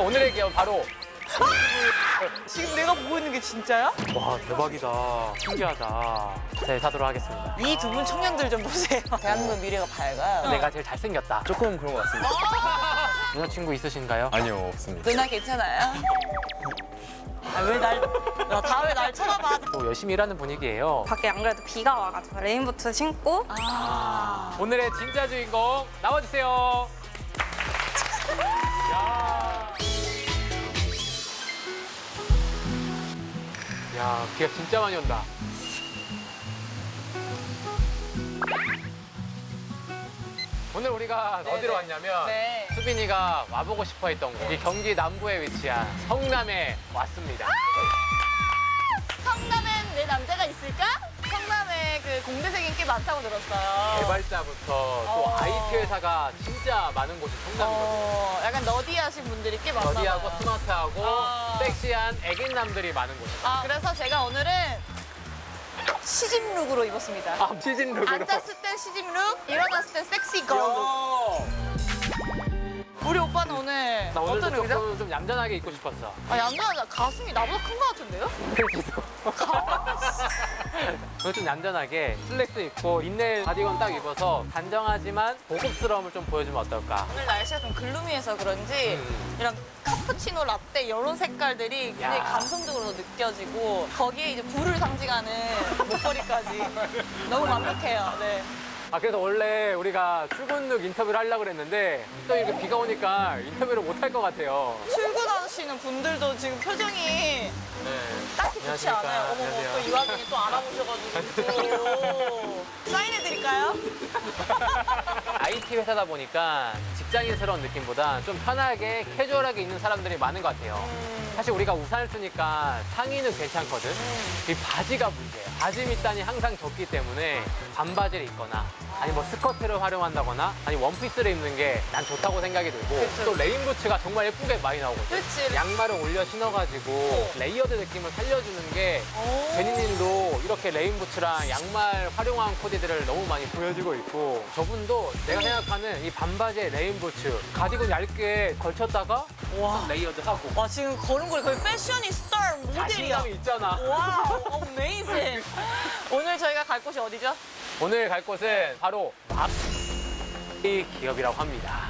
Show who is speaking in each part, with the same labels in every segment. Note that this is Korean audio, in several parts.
Speaker 1: 오늘의 기업 바로
Speaker 2: 지금 내가 보고 있는 게 진짜야?
Speaker 1: 와 대박이다. 신기하다. 네, 사도록 하겠습니다.
Speaker 2: 이 두 분 청년들 좀 보세요. 대한민국 미래가 밝아요.
Speaker 1: 내가 제일 잘생겼다.
Speaker 3: 조금 그런 것 같습니다.
Speaker 1: 여자친구 있으신가요?
Speaker 3: 아니요, 없습니다.
Speaker 2: 누나 괜찮아요? 다 왜 날 쳐다봐?
Speaker 1: 또 열심히 일하는 분위기예요.
Speaker 4: 밖에 안 그래도 비가 와가지고 레인부츠 신고
Speaker 1: 오늘의 진짜 주인공 나와주세요. 야, 비가 진짜 많이 온다. 오늘 우리가 어디로 왔냐면
Speaker 2: 네.
Speaker 1: 수빈이가 와보고 싶어 했던 곳, 이 경기 남부에 위치한 성남에 왔습니다.
Speaker 2: 성남엔 내 남자가 있을까? 성남에 그 공대생이 꽤 많다고 들었어요.
Speaker 1: 개발자부터 또 IT 회사가 진짜 많은 곳이 성남이거든요.
Speaker 2: 약간 너디하신 분들이 꽤 많나 봐요.
Speaker 1: 러디하고 스마트하고
Speaker 2: 어.
Speaker 1: 섹시한 애견남들이 많은 곳이에요.
Speaker 2: 그래서 제가 오늘은 시집룩으로 입었습니다.
Speaker 1: 시즌룩으로.
Speaker 2: 앉았을 때 시집룩, 일어났을 때 섹시 걸룩. 우리 오빠는 오늘
Speaker 1: 나 오늘도
Speaker 2: 어떤 룩이죠?
Speaker 1: 조금 좀 얌전하게 입고 싶었어.
Speaker 2: 얌전하다. 가슴이 나보다 큰 것 같은데요?
Speaker 1: 오늘 좀 얌전하게 슬랙스 입고 린넨 바디건 딱 입어서 단정하지만 고급스러움을 좀 보여주면 어떨까?
Speaker 2: 오늘 날씨가 좀 글루미해서 그런지 이런 카푸치노 라떼 이런 색깔들이 굉장히
Speaker 1: 야.
Speaker 2: 감성적으로 느껴지고 거기에 이제 불을 상징하는 목걸이까지 너무 완벽해요. 네.
Speaker 1: 그래서 원래 우리가 출근룩 인터뷰를 하려고 그랬는데 또 이렇게 비가 오니까 인터뷰를 못 할 것 같아요.
Speaker 2: 출근하시는 분들도 지금 표정이
Speaker 1: 네.
Speaker 2: 딱히 좋지
Speaker 1: 안녕하십니까.
Speaker 2: 않아요. 어머,
Speaker 1: 안녕하세요.
Speaker 2: 또 이 와중에 또 알아보셔가지고. 사인해드릴까요?
Speaker 1: IT 회사다 보니까 직장인스러운 느낌보다 좀 편하게 캐주얼하게 입는 사람들이 많은 것 같아요. 사실 우리가 우산을 쓰니까 상의는 괜찮거든. 이 바지가 문제예요. 바지 밑단이 항상 좁기 때문에 반바지를 입거나 아니 뭐 스커트를 활용한다거나 아니 원피스를 입는 게 난 좋다고 생각이 들고
Speaker 2: 그쵸.
Speaker 1: 또 레인부츠가 정말 예쁘게 많이 나오거든.
Speaker 2: 그치.
Speaker 1: 양말을 올려 신어가지고 레이어드 느낌을 살려주는 게 제니님도 이렇게 레인부츠랑 양말 활용한 코디들을 너무 많이 보여주고 있고 저분도 내가 생각하는 이 반바지에 레인부츠 가디건 얇게 걸쳤다가
Speaker 2: 와.
Speaker 1: 레이어드 하고
Speaker 2: 와, 지금 걸음걸이 거의 패셔니스타 모델이야.
Speaker 1: 자신감이 있잖아.
Speaker 2: 와우, 어메이징. 오늘 저희가 갈 곳이 어디죠?
Speaker 1: 오늘 갈 곳은 바로 이 기업이라고 합니다.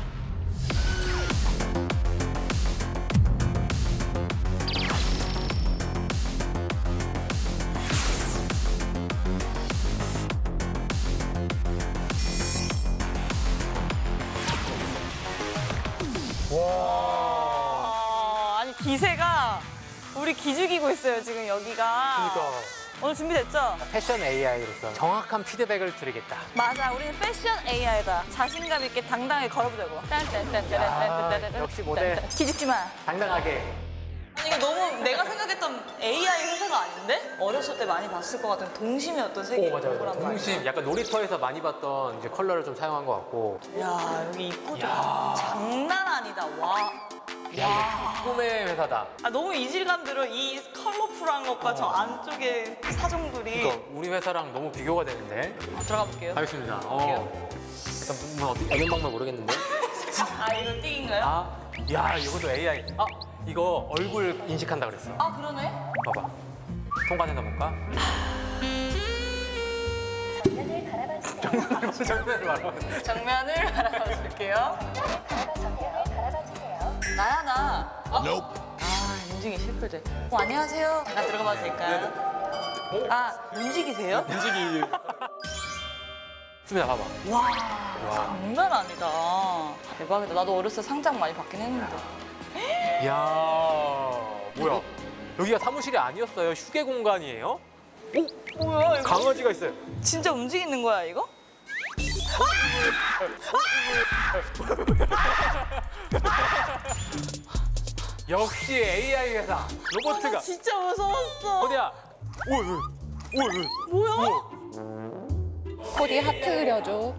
Speaker 2: 아니, 기세가 우리 기죽이고 있어요, 지금 여기가.
Speaker 1: 그러니까
Speaker 2: 오늘 준비됐죠?
Speaker 1: 패션 AI로서 정확한 피드백을 드리겠다.
Speaker 2: 맞아, 우리는 패션 AI다. 자신감 있게 당당하게 걸어보자고.
Speaker 1: 역시 모델.
Speaker 2: 기죽지 마.
Speaker 1: 당당하게.
Speaker 2: 아니, 이거 너무 내가 생각했던 AI 회사가 아닌데? 어렸을 때 많이 봤을 것 같은 동심의 어떤 세계
Speaker 1: 맞아요.
Speaker 2: 거란 말이야.
Speaker 1: 동심. 약간 놀이터에서 많이 봤던 이제 컬러를 좀 사용한 것 같고.
Speaker 2: 야, 여기 입구도 장난 아니다. 와.
Speaker 1: 야, 꿈의 회사다.
Speaker 2: 너무 이질감 들어. 이 컬러풀한 것과 저 안쪽에 사정들이.
Speaker 1: 그러니까 우리 회사랑 너무 비교가 되는데.
Speaker 2: 들어가 볼게요.
Speaker 1: 알겠습니다. 일단 뭐 어떤 방법 모르겠는데.
Speaker 2: 이거 띵인가요?
Speaker 1: 야, 이것도 AI. 이거 얼굴 인식한다 그랬어.
Speaker 2: 그러네.
Speaker 1: 봐봐. 통과되나 볼까? 정면을 바라봐.
Speaker 2: 정면을 바라봐줄게요. 나야, 나. 움직이 실패돼. 안녕하세요. 잠깐 들어가봐도 될까요? 움직이세요?
Speaker 1: 인식이. 수민아, 봐봐.
Speaker 2: 와, 장난 아니다. 대박이다. 나도 어렸을 때 상장 많이 받긴 했는데.
Speaker 1: 이야, 뭐야. 여기가 사무실이 아니었어요. 휴게 공간이에요?
Speaker 2: 뭐야, 이거?
Speaker 1: 강아지가 있어요.
Speaker 2: 진짜 움직이는 거야, 이거?
Speaker 1: 역시 AI 회사. 로보트가.
Speaker 2: 진짜 무서웠어.
Speaker 1: 어디야?
Speaker 2: 뭐야?
Speaker 4: 코디 하트 그려줘.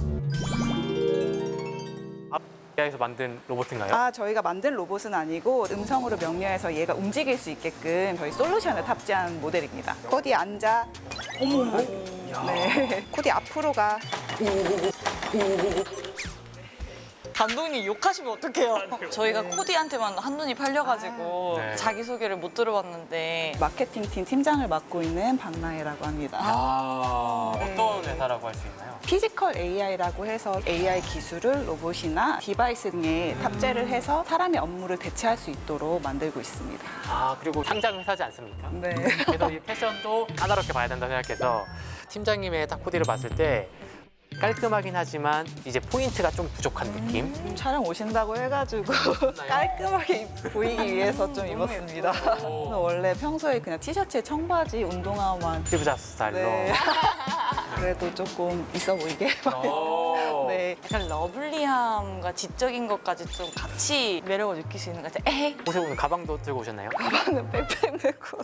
Speaker 1: AI에서 만든 로봇인가요?
Speaker 5: 저희가 만든 로봇은 아니고 음성으로 명료해서 얘가 움직일 수 있게끔 저희 솔루션을 탑재한 모델입니다. 코디 앉아. 어머. 네. 코디 앞으로 가.
Speaker 2: 감독님 욕하시면 어떡해요? 저희가 코디한테만 한눈이 팔려가지고
Speaker 1: 네.
Speaker 2: 자기소개를 못 들어봤는데
Speaker 5: 마케팅팀 팀장을 맡고 있는 박나혜라고 합니다.
Speaker 1: 어떤 회사라고 할 수 있나요?
Speaker 5: 피지컬 AI라고 해서 AI 기술을 로봇이나 디바이스 등에 탑재를 해서 사람의 업무를 대체할 수 있도록 만들고 있습니다.
Speaker 1: 그리고 상장 회사지 않습니까?
Speaker 5: 네.
Speaker 1: 그래서 이 패션도 까다롭게 봐야 된다 생각해서 팀장님의 딱 코디를 봤을 때 깔끔하긴 하지만 이제 포인트가 좀 부족한 느낌?
Speaker 5: 촬영 오신다고 해가지고 깔끔하게 보이기 위해서 좀 입었습니다. 저는 원래 평소에 그냥 티셔츠에 청바지, 운동화만.
Speaker 1: 스티브 잡스 스타일로.
Speaker 5: 네. 그래도 조금 있어 보이게. 네.
Speaker 2: 약간 러블리함과 지적인 것까지 좀 같이 매력을 느낄 수 있는 것 같아요. 에이,
Speaker 1: 혹시 오늘 가방도 들고 오셨나요?
Speaker 5: 가방은 백팩 메고.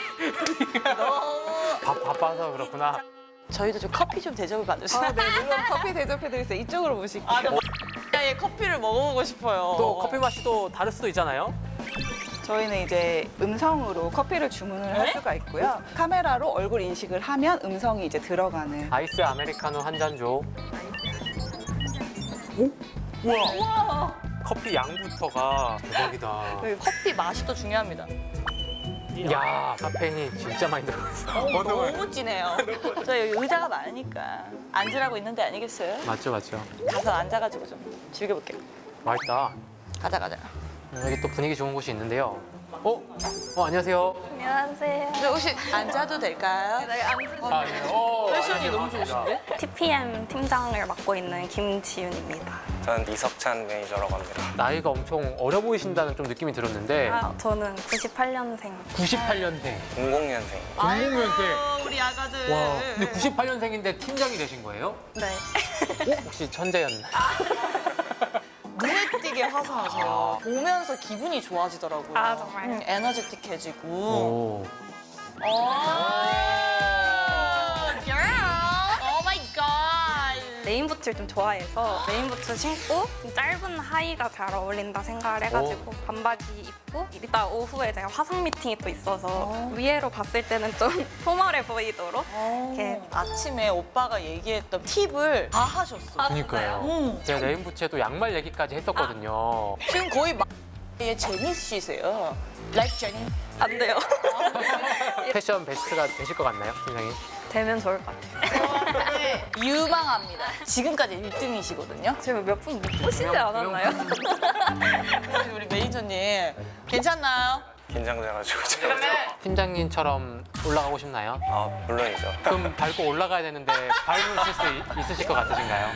Speaker 1: 바빠서 그렇구나.
Speaker 2: 저희도 좀 커피 좀 대접을 받으시나요?
Speaker 5: 네, 물론 커피 대접해드리겠어요. 이쪽으로 모실게요.
Speaker 2: 예, 커피를 먹어보고 싶어요.
Speaker 1: 또 커피 맛이 또 다를 수도 있잖아요.
Speaker 5: 저희는 이제 음성으로 커피를 주문을 할 수가 있고요. 카메라로 얼굴 인식을 하면 음성이 이제 들어가는.
Speaker 1: 아이스 아메리카노 한 잔 줘. 오? 우와. 커피 양부터가 대박이다.
Speaker 2: 네, 커피 맛이 또 중요합니다.
Speaker 1: 야, 카페인이 진짜 많이 들어있어.
Speaker 2: 너무 진해요. 저 여기 의자가 많으니까 앉으라고 있는데 아니겠어요?
Speaker 1: 맞죠, 맞죠.
Speaker 2: 가서 앉아가지고 좀 즐겨볼게요.
Speaker 1: 맛있다.
Speaker 2: 가자.
Speaker 1: 여기 또 분위기 좋은 곳이 있는데요. 안녕하세요.
Speaker 4: 안녕하세요.
Speaker 2: 근데 혹시 앉아도 될까요?
Speaker 4: 네,
Speaker 2: 패션이 너무 좋으신데?
Speaker 4: TPM 팀장을 맡고 있는 김지윤입니다.
Speaker 3: 저는 이석찬 매니저라고 합니다.
Speaker 1: 나이가 엄청 어려 보이신다는 좀 느낌이 들었는데
Speaker 4: 저는 98년생.
Speaker 1: 98년생.
Speaker 3: 00년생.
Speaker 1: 00년생.
Speaker 2: 우리 아가들.
Speaker 1: 와, 근데 98년생인데 팀장이 되신 거예요?
Speaker 4: 네.
Speaker 1: 혹시 천재였나?
Speaker 2: 눈에 띄게 화사하세요. 보면서 기분이 좋아지더라고요.
Speaker 4: 아, 정말요?
Speaker 2: 에너제틱해지고.
Speaker 1: 오.
Speaker 4: 레인부츠를 좀 좋아해서 레인부츠 신고 짧은 하의가 잘 어울린다 생각을 해가지고 반바지 입고 이따 오후에 제가 화상 미팅이 또 있어서 위에로 봤을 때는 좀 포멀해 보이도록 이렇게
Speaker 2: 아침에 오빠가 얘기했던 팁을 다 하셨어.
Speaker 1: 그니까요. 제가 레인부츠에도 양말 얘기까지 했었거든요.
Speaker 2: 지금 거의 의 제니 씨세요. Like 제니.
Speaker 4: 안 돼요.
Speaker 1: 패션 베스트가 되실 것 같나요, 팀장님?
Speaker 4: 되면 좋을 것 같아요.
Speaker 2: 유망합니다. 지금까지 1등이시거든요.
Speaker 4: 지금 몇 분 못 보시지 않았나요?
Speaker 2: 우리 매니저님 괜찮나요?
Speaker 3: 긴장돼가지고 제가.
Speaker 1: 팀장님처럼 올라가고 싶나요?
Speaker 3: 물론이죠.
Speaker 1: 그럼 밟고 올라가야 되는데 밟으실 수 있으실 것 같으신가요?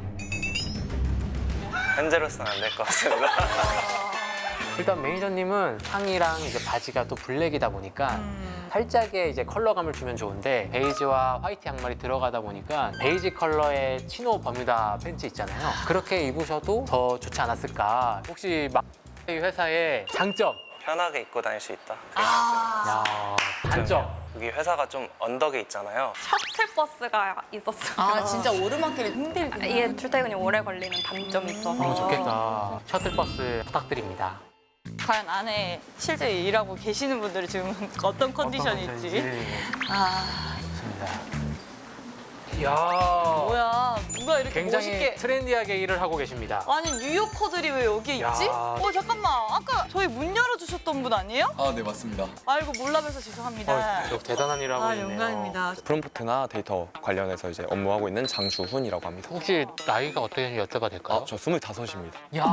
Speaker 3: 현재로서는 안 될 것 같습니다.
Speaker 1: 일단 매니저님은 상의랑 이제 바지가 또 블랙이다 보니까 살짝의 이제 컬러감을 주면 좋은데 베이지와 화이트 양말이 들어가다 보니까 베이지 컬러의 치노 버뮤다 팬츠 있잖아요. 그렇게 입으셔도 더 좋지 않았을까. 혹시 이 회사의 장점?
Speaker 3: 편하게 입고 다닐 수 있다. 그게
Speaker 1: 야, 단점?
Speaker 3: 여기 회사가 좀 언덕에 있잖아요.
Speaker 4: 셔틀버스가 있었어요.
Speaker 2: 아 진짜 오르막길이 힘들구나.
Speaker 4: 이게 출퇴근이 오래 걸리는 단점이 있어서
Speaker 1: 좋겠다. 셔틀버스 부탁드립니다.
Speaker 2: 과연 안에 실제 일하고 계시는 분들이 지금 어떤 컨디션일지. 아
Speaker 1: 좋습니다. 이야,
Speaker 2: 뭐야 누가 이렇게
Speaker 1: 굉장히
Speaker 2: 멋있게.
Speaker 1: 트렌디하게 일을 하고 계십니다.
Speaker 2: 아니 뉴요커들이 왜 여기
Speaker 1: 야.
Speaker 2: 있지? 잠깐만 아까 저희 문 열어주셨던 분 아니에요?
Speaker 6: 네, 맞습니다.
Speaker 2: 아이고 몰라봬서 죄송합니다.
Speaker 1: 대단한 일을 하고 있네요.
Speaker 2: 영광입니다.
Speaker 6: 프롬프트나 데이터 관련해서 이제 업무하고 있는 장주훈이라고 합니다.
Speaker 1: 혹시 나이가 어떻게 되는지 여쭤봐도 될까요?
Speaker 6: 저 25입니다.
Speaker 1: 야,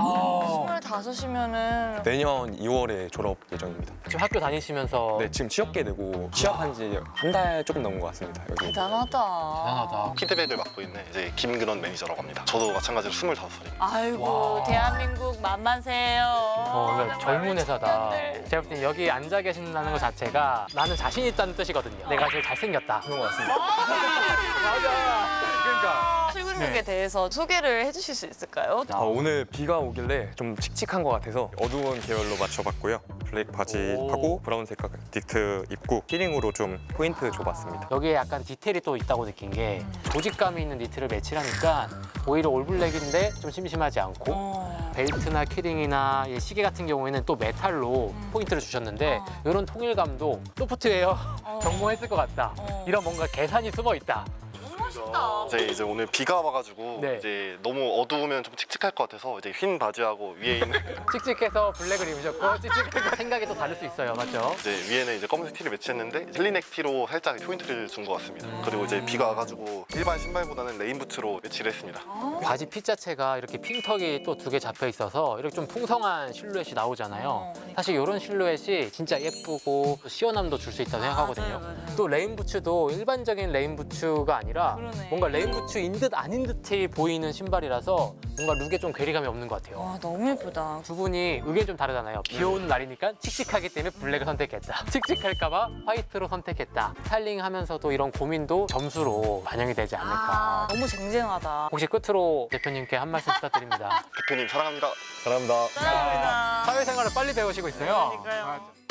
Speaker 2: 25이면은
Speaker 6: 내년 2월에 졸업 예정입니다.
Speaker 1: 지금 학교 다니시면서
Speaker 6: 네, 지금 취업계 되고 취업한 지 한 달 조금 넘은 것 같습니다. 여기.
Speaker 2: 대단하다.
Speaker 1: 대단하다.
Speaker 7: 피드백을 맡고 있는 이제 김근원 매니저라고 합니다. 저도 마찬가지로 25살입니다.
Speaker 2: 아이고
Speaker 1: 와.
Speaker 2: 대한민국 만만세요.
Speaker 1: 그러니까 젊은 회사다.
Speaker 2: 청년들.
Speaker 1: 제가 볼 땐 여기 앉아 계신다는 것 자체가 나는 자신 있다는 뜻이거든요. 내가 제일 잘생겼다.
Speaker 6: 그런 것 같습니다.
Speaker 1: 맞아. 그러니까.
Speaker 2: 출근룩에 대해서 소개를 해주실 수 있을까요?
Speaker 6: 오늘 비가 오길래 좀 칙칙한 것 같아서 어두운 계열로 맞춰봤고요. 블랙 바지하고 브라운색 닉트 입고 키링으로 좀 포인트 줘봤습니다.
Speaker 1: 여기에 약간 디테일이 또 있다고 느낀 게 조직감이 있는 니트를 매치하니까 오히려 올블랙인데 좀 심심하지 않고 벨트나 키링이나 이 시계 같은 경우에는 또 메탈로 포인트를 주셨는데 이런 통일감도 소프트웨어 경모했을 것 같다. 이런 뭔가 계산이 숨어 있다.
Speaker 2: 정말 멋있다.
Speaker 7: 이제 오늘 비가 와가지고
Speaker 1: 네.
Speaker 7: 이제 너무 어두우면 좀 칙칙할 것 같아서 이제 흰 바지하고 위에 있는
Speaker 1: 칙칙해서 블랙을 입으셨고 칙칙해서 생각이 또 다를 수 있어요. 맞죠?
Speaker 7: 이제 위에는 이제 검은색 티를 매치했는데 헬리넥 티로 살짝 포인트를 준 것 같습니다. 그리고 이제 비가 와가지고 일반 신발보다는 레인 부츠로 매치를 했습니다.
Speaker 1: 바지 핏 자체가 이렇게 핀턱이 또 2개 잡혀 있어서 이렇게 좀 풍성한 실루엣이 나오잖아요. 사실 이런 실루엣이 진짜 예쁘고 시원함도 줄 수 있다고 생각하거든요.
Speaker 2: 맞아요.
Speaker 1: 또 레인 부츠도 일반적인 레인 부츠가 아니라
Speaker 2: 그러네.
Speaker 1: 뭔가 레인 부츠인 듯 아닌 듯이 보이는 신발이라서 뭔가 룩에 좀 괴리감이 없는 것 같아요.
Speaker 2: 와, 너무 예쁘다.
Speaker 1: 두 분이 의견이 좀 다르잖아요. 비 오는 날이니까 칙칙하기 때문에 블랙을 선택했다. 칙칙할까봐 화이트로 선택했다. 스타일링하면서도 이런 고민도 점수로 반영이 되지 않을까.
Speaker 2: 너무 쟁쟁하다.
Speaker 1: 혹시 끝으로 대표님께 한 말씀 부탁드립니다.
Speaker 7: 대표님 사랑합니다.
Speaker 6: 감사합니다.
Speaker 2: 감사합니다.
Speaker 1: 사회생활을 빨리 배우시고 있어요.
Speaker 2: 그러니까요.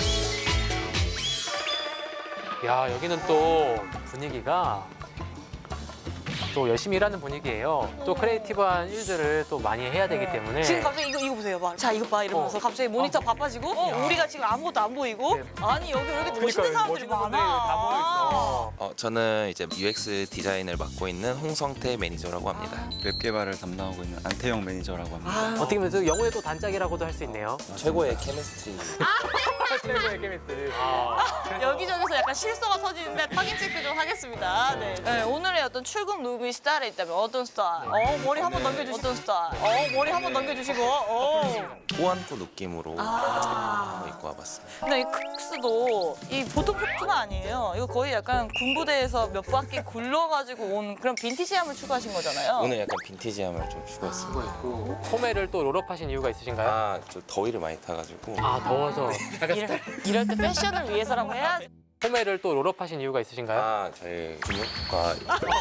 Speaker 1: 야, 여기는 또 분위기가 또 열심히 일하는 분위기예요. 또 크리에이티브한 일들을 또 많이 해야 되기 때문에
Speaker 2: 지금 갑자기 이거 보세요. 봐. 자, 이거 봐. 이러면서 갑자기 모니터 바빠지고 우리가 지금 아무것도 안 보이고
Speaker 1: 네.
Speaker 2: 아니, 여기 왜 이렇게 멋있는 사람들이
Speaker 1: 멋있는 분들이
Speaker 2: 많아.
Speaker 1: 다 모여있어.
Speaker 8: 저는 이제 UX 디자인을 맡고 있는 홍성태 매니저라고 합니다.
Speaker 9: 웹 개발을 담당하고 있는 안태영 매니저라고 합니다.
Speaker 1: 어떻게 보면 또 영어의 또 단짝이라고도 할 수 있네요.
Speaker 8: 최고의 케미스트리.
Speaker 1: 최고의 케미스트리.
Speaker 2: 여기저기서 약간 실수가 터지는데 확인 체크 좀 하겠습니다. 네. 네, 오늘의 어떤 출근 룩이 스타일에 있다면 어떤 스타일? 머리 한번 넘겨주시고 어떤 스타일? 머리 한번 넘겨주시고
Speaker 8: 꾸안꾸 느낌으로 입고 와봤습니다.
Speaker 2: 근데 이 크록스도 이 보통 크록스가 아니에요. 이거 거의 약간 군부대에서 몇 바퀴 굴러가지고 온 그런 빈티지함을 추구하신 거잖아요.
Speaker 8: 오늘 약간 빈티지함을 좀 추구했습니다.
Speaker 1: 소매를 또 롤업하신 이유가 있으신가요?
Speaker 8: 좀 더위를 많이 타가지고
Speaker 1: 아, 더워서.
Speaker 2: 이럴 때 패션을 위해서라고 해야지.
Speaker 1: 소매를 또 롤업하신 이유가 있으신가요?
Speaker 8: 저희 근육과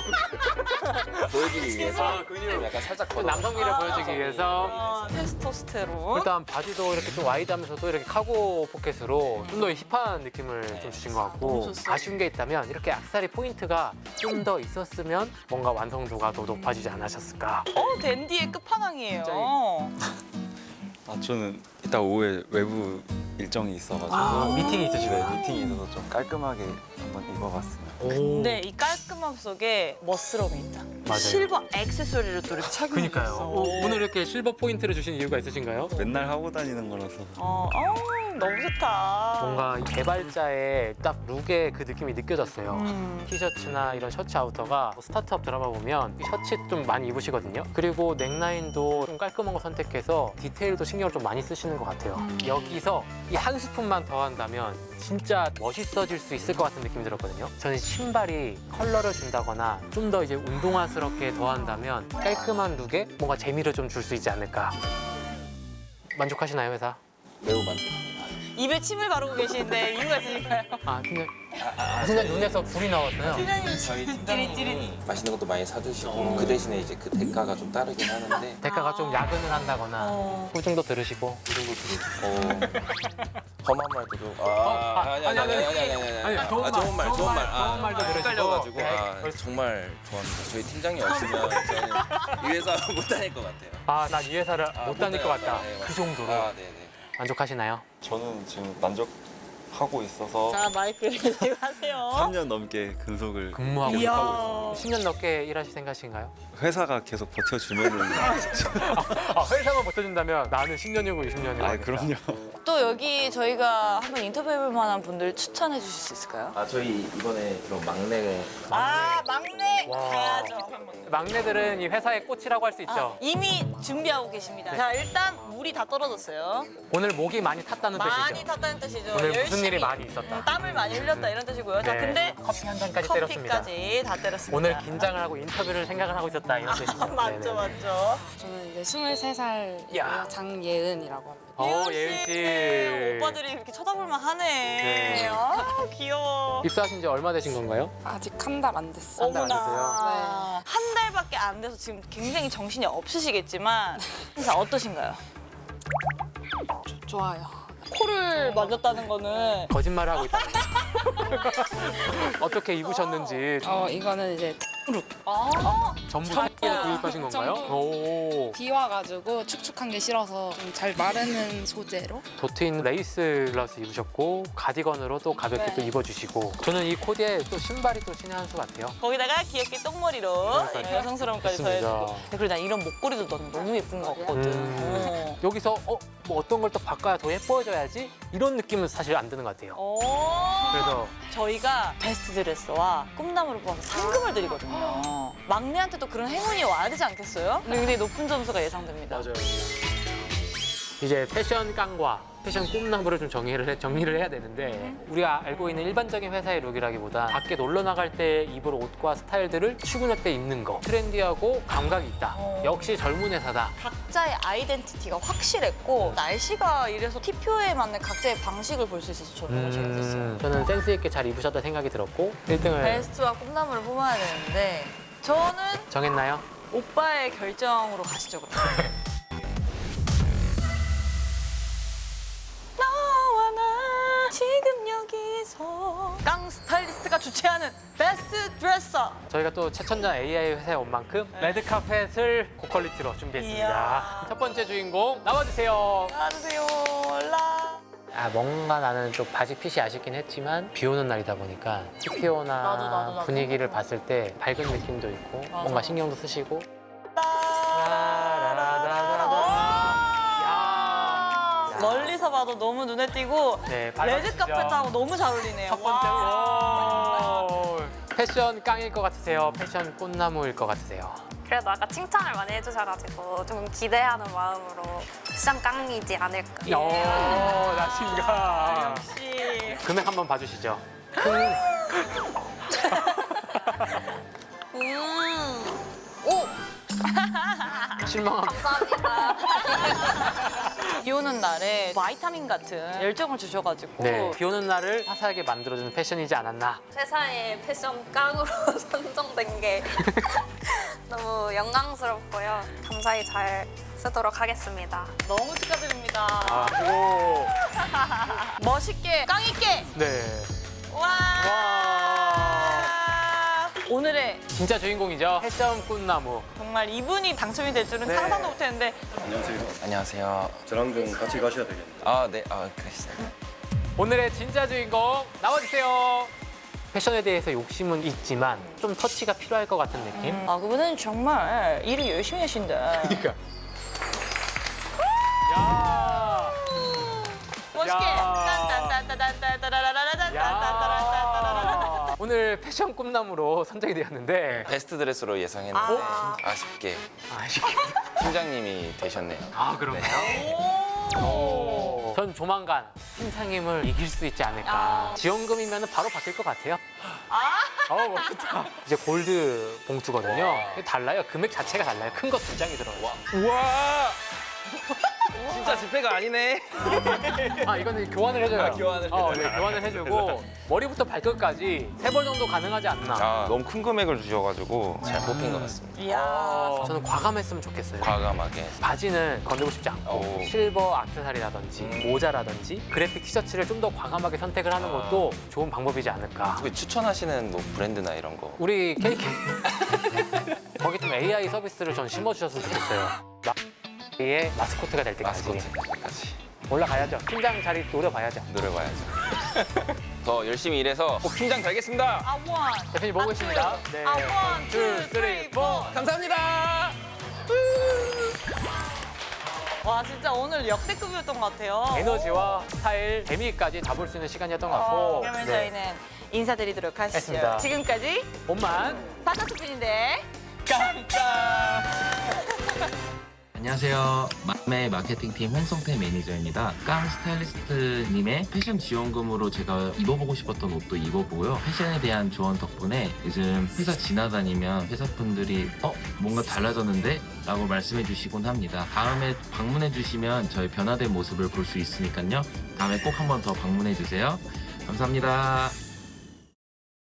Speaker 8: 보여주기 위해서 좀 약간 살짝
Speaker 1: 또 남성미를 보여주기 위해서
Speaker 2: 테스토스테론.
Speaker 1: 일단 바지도 이렇게 좀 와이드하면서도 이렇게 카고 포켓으로 좀 더 힙한 느낌을 좀 주신 것 같고
Speaker 2: 너무 좋았어요.
Speaker 1: 아쉬운 게 있다면 이렇게 악세사리 포인트가 좀 더 있었으면 뭔가 완성도가 더 높아지지 않으셨을까.
Speaker 2: 댄디의 끝판왕이에요.
Speaker 9: 저는 이따 오후에 외부 일정이 있어가지고
Speaker 1: 미팅이 있으시고요.
Speaker 9: 미팅이 있어서 좀 깔끔하게 한번 입어봤습니다.
Speaker 2: 근데 이 깔끔함 속에 멋스러움이 있다.
Speaker 1: 맞아요.
Speaker 2: 실버 액세서리를 또 이렇게 착용해
Speaker 1: 그니까요.
Speaker 2: 있어.
Speaker 1: 오늘 이렇게 실버 포인트를 주신 이유가 있으신가요?
Speaker 9: 맨날 하고 다니는 거라서
Speaker 2: 너무 좋다.
Speaker 1: 뭔가 이 개발자의 딱 룩의 그 느낌이 느껴졌어요. 티셔츠나 이런 셔츠 아우터가 스타트업 드라마 보면 이 셔츠 좀 많이 입으시거든요. 그리고 넥라인도 좀 깔끔한 거 선택해서 디테일도 신경을 좀 많이 쓰시는 것 같아요. 여기서 이 한 스푼만 더 한다면 진짜 멋있어질 수 있을 것 같은 느낌이 들었거든요. 저는 신발이 컬러를 준다거나 좀 더 이제 운동화스럽게 더한다면 깔끔한 룩에 뭔가 재미를 좀 줄 수 있지 않을까. 만족하시나요, 회사?
Speaker 8: 매우 많다.
Speaker 2: 입에 침을 바르고 계시는데 이유가 있으니까요.
Speaker 1: 아, 근데 순간 눈에서 불이 나왔어요.
Speaker 8: 저희 팀장님이 맛있는 것도 많이 사주시고 그 대신에 이제 그 대가가 좀 따르긴 하는데
Speaker 1: 대가가 좀 야근을 한다거나 후중도 들으시고
Speaker 8: 험한 말도 좀
Speaker 1: 아니, 좋은 말, 좋은 말도 들으시고.
Speaker 8: 헷갈려가지고
Speaker 1: 네.
Speaker 8: 정말 좋아합니다. 저희 팀장이 없으면 저는 이 회사 못 다닐 것 같아요.
Speaker 1: 아, 난 이 회사를 못 다닐 것 같다.
Speaker 8: 네,
Speaker 1: 그 정도로
Speaker 8: 네네.
Speaker 1: 만족하시나요?
Speaker 9: 저는 지금 만족하고 있어서
Speaker 2: 자, 마이크를 하세요.
Speaker 9: 3년 넘게 근속을
Speaker 1: 근무하고
Speaker 9: 계속
Speaker 2: 이야.
Speaker 9: 하고 있습니다.
Speaker 1: 10년 넘게 일하실 생각이신가요?
Speaker 9: 회사가 계속 버텨주면은
Speaker 1: 아, 회사만 버텨준다면 나는 10년이고 20년이고.
Speaker 9: 그럼요.
Speaker 2: 또 여기 저희가 한번 인터뷰해볼 만한 분들 추천해 주실 수 있을까요?
Speaker 8: 저희 이번에 그런 막내
Speaker 2: 막내
Speaker 1: 와.
Speaker 2: 가야죠.
Speaker 1: 막내들은 이 회사의 꽃이라고 할 수 있죠.
Speaker 2: 이미 준비하고 계십니다. 자, 일단 물이 다 떨어졌어요.
Speaker 1: 오늘 목이 많이 탔다는
Speaker 2: 많이
Speaker 1: 뜻이죠.
Speaker 2: 탔다는 뜻이죠.
Speaker 1: 오늘 무슨
Speaker 2: 열심히.
Speaker 1: 일이 많이 있었다.
Speaker 2: 땀을 많이 흘렸다 이런 뜻이고요. 자,
Speaker 1: 네,
Speaker 2: 근데
Speaker 1: 커피 한 잔까지 때렸습니다.
Speaker 2: 커피까지 다 때렸습니다.
Speaker 1: 오늘 긴장을 하고 인터뷰를 생각을 하고 있었다 이런 뜻이죠.
Speaker 2: 맞죠,
Speaker 1: 네네.
Speaker 2: 맞죠.
Speaker 10: 저는 이제 23살
Speaker 1: 야.
Speaker 10: 장예은이라고 합니다.
Speaker 1: 예은 씨.
Speaker 2: 오빠들이 이렇게 쳐다볼만 하네.
Speaker 1: 네.
Speaker 2: 아, 귀여워.
Speaker 1: 입사하신 지 얼마 되신 건가요?
Speaker 10: 아직 한 달 안 됐어요.
Speaker 1: 한달안 됐어요?
Speaker 2: 어머나. 한 달밖에 안 돼서 지금 굉장히 정신이 없으시겠지만 자, 어떠신가요?
Speaker 10: 좋아요.
Speaker 2: 코를 만졌다는 거는
Speaker 1: 거짓말을 하고 있다. 어떻게 입으셨는지
Speaker 10: 이거는 이제 룩.
Speaker 1: 전부 타이에 구입하신 건가요? 오.
Speaker 10: 비 와가지고 축축한 게 싫어서 좀 잘 마르는 소재로.
Speaker 1: 도트인 레이스 블라우스 입으셨고 가디건으로 또 가볍게
Speaker 2: 네.
Speaker 1: 또 입어주시고 저는 이 코디에 또 신발이 또 신의 한 수 같아요.
Speaker 2: 거기다가 귀엽게 똥머리로
Speaker 1: 그러니까요.
Speaker 2: 여성스러움까지
Speaker 1: 좋습니다.
Speaker 2: 더해주고. 그리고 난 이런 목걸이도 넌 너무 예쁜 것 같거든.
Speaker 1: 여기서 뭐 어떤 걸 또 바꿔야 더 예뻐져야지 이런 느낌은 사실 안 드는 것 같아요. 그래서
Speaker 2: 저희가 베스트 드레스와 꿈나무를 뽑아서 상금을 드리거든요. 막내한테도 그런 행운이 와야 되지 않겠어요? 굉장히 높은 점수가 예상됩니다.
Speaker 1: 맞아요. 이제 패션 깡과 패션 꿈나무를 좀 정리를 해야 되는데 우리가 알고 있는 일반적인 회사의 룩이라기보다 밖에 놀러 나갈 때 입을 옷과 스타일들을 출근할 때 입는 거 트렌디하고 감각이 있다. 역시 젊은 회사다.
Speaker 2: 각자의 아이덴티티가 확실했고 날씨가 이래서 티표에 맞는 각자의 방식을 볼 수 있어서 저는 너무 재밌었어요.
Speaker 1: 저는 센스 있게 잘 입으셨다 생각이 들었고 1등을
Speaker 2: 베스트와 꿈나무를 뽑아야 되는데 저는
Speaker 1: 정했나요?
Speaker 2: 오빠의 결정으로 가시죠 그럼. 너와 나 지금 여기서 깡 스타일리스트가 주최하는 베스트 드레서.
Speaker 1: 저희가 또 최첨단 AI 회사에 온 만큼 레드카펫을 고퀄리티로 준비했습니다.
Speaker 2: 이야.
Speaker 1: 첫 번째 주인공 나와주세요.
Speaker 2: 나와주세요. 올라.
Speaker 1: 뭔가 나는 좀 바지 핏이 아쉽긴 했지만 비 오는 날이다 보니까 TPO나
Speaker 2: 나도.
Speaker 1: 분위기를 봤을 때 밝은 느낌도 있고 뭔가 신경도 쓰시고
Speaker 2: 멀리서 봐도 너무 눈에 띄고
Speaker 1: 네,
Speaker 2: 레드카펫하고 너무 잘 어울리네요.
Speaker 1: 첫 번째 오. 패션 깡일 것 같으세요? 패션 꽃나무일 것 같으세요?
Speaker 4: 그래도 아까 칭찬을 많이 해주셔가지고 좀 기대하는 마음으로 패션 깡이지 않을까.
Speaker 1: 자신감.
Speaker 2: 역시.
Speaker 1: 금액 한번 봐주시죠. 실망합니다.
Speaker 4: 감사합니다.
Speaker 2: 비 오는 날에 바이타민 같은 열정을 주셔가지고
Speaker 1: 네, 비 오는 날을 화사하게 만들어주는 패션이지 않았나.
Speaker 4: 회사의 패션 깡으로 선정된 게 너무 영광스럽고요. 감사히 잘 쓰도록 하겠습니다.
Speaker 2: 너무 축하드립니다.
Speaker 1: 오.
Speaker 2: 멋있게 깡 있게.
Speaker 1: 네.
Speaker 2: 와. 오늘의
Speaker 1: 진짜 주인공이죠. 패션 꽃나무.
Speaker 2: 정말 이분이 당첨이 될 줄은
Speaker 1: 네.
Speaker 2: 상상도 못했는데
Speaker 8: 안녕하세요.
Speaker 9: 저랑 좀 같이 가셔야 되겠네요.
Speaker 8: 네. 그러시죠.
Speaker 1: 오늘의 진짜 주인공 나와주세요. 패션에 대해서 욕심은 있지만 좀 터치가 필요할 것 같은 느낌.
Speaker 2: 그분은 정말 일을 열심히 하신다.
Speaker 1: 그러니까. 야.
Speaker 2: 멋있게.
Speaker 1: 야. 오늘 패션 꿈나무로 선정이 되었는데
Speaker 8: 베스트 드레스로 예상했는데 아쉽게 팀장님이 되셨네요.
Speaker 1: 그런가요? 전 조만간 팀장님을 이길 수 있지 않을까. 지원금이면 바로 바뀔 것 같아요. 멋있다. 이제 골드 봉투거든요. 이게 달라요. 금액 자체가 달라요. 큰 거 2장이 들어가요.
Speaker 8: 우와! 진짜 지폐가 아니네.
Speaker 1: 이거는 교환을 해줘요.
Speaker 8: 교환을
Speaker 1: 네, 교환을 해주고 머리부터 발끝까지 3벌 정도 가능하지 않나.
Speaker 6: 너무 큰 금액을 주셔가지고
Speaker 8: 잘 뽑힌 것 같습니다.
Speaker 2: 이야.
Speaker 1: 저는 과감했으면 좋겠어요.
Speaker 8: 과감하게.
Speaker 1: 바지는 건들고 싶지 않고
Speaker 8: 오.
Speaker 1: 실버 액세서리라든지 모자라든지 그래픽 티셔츠를 좀 더 과감하게 선택을 하는 것도 좋은 방법이지 않을까.
Speaker 8: 혹시 추천하시는 뭐 브랜드나 이런 거?
Speaker 1: 우리 KK 거기 좀 AI 서비스를 전 심어주셨으면 좋겠어요. 의 마스코트가 될 때까지
Speaker 8: 마스코트까지
Speaker 1: 올라가야죠. 팀장 자리 노려봐야죠.
Speaker 8: 노려봐야죠. 더 열심히 일해서 꼭 팀장 되겠습니다.
Speaker 1: 대표님 보고 계십니다. 네. 1, 2, 3, 4.
Speaker 8: 감사합니다.
Speaker 2: 와 진짜 오늘 역대급이었던 것 같아요.
Speaker 1: 에너지와 스타일, 재미까지 다 볼 수 있는 시간이었던 것 같고.
Speaker 2: 그러면
Speaker 1: 네.
Speaker 2: 저희는 인사드리도록 하시죠.
Speaker 1: 했습니다.
Speaker 2: 지금까지
Speaker 1: 몸만
Speaker 2: 바타스뿐인데
Speaker 11: 안녕하세요. 맘의 마케팅팀 홍성태 매니저입니다. 깡 스타일리스트님의 패션 지원금으로 제가 입어보고 싶었던 옷도 입어보고요. 패션에 대한 조언 덕분에 요즘 회사 지나다니면 회사분들이 뭔가 달라졌는데? 라고 말씀해 주시곤 합니다. 다음에 방문해 주시면 저희 변화된 모습을 볼 수 있으니까요. 다음에 꼭 한 번 더 방문해 주세요. 감사합니다.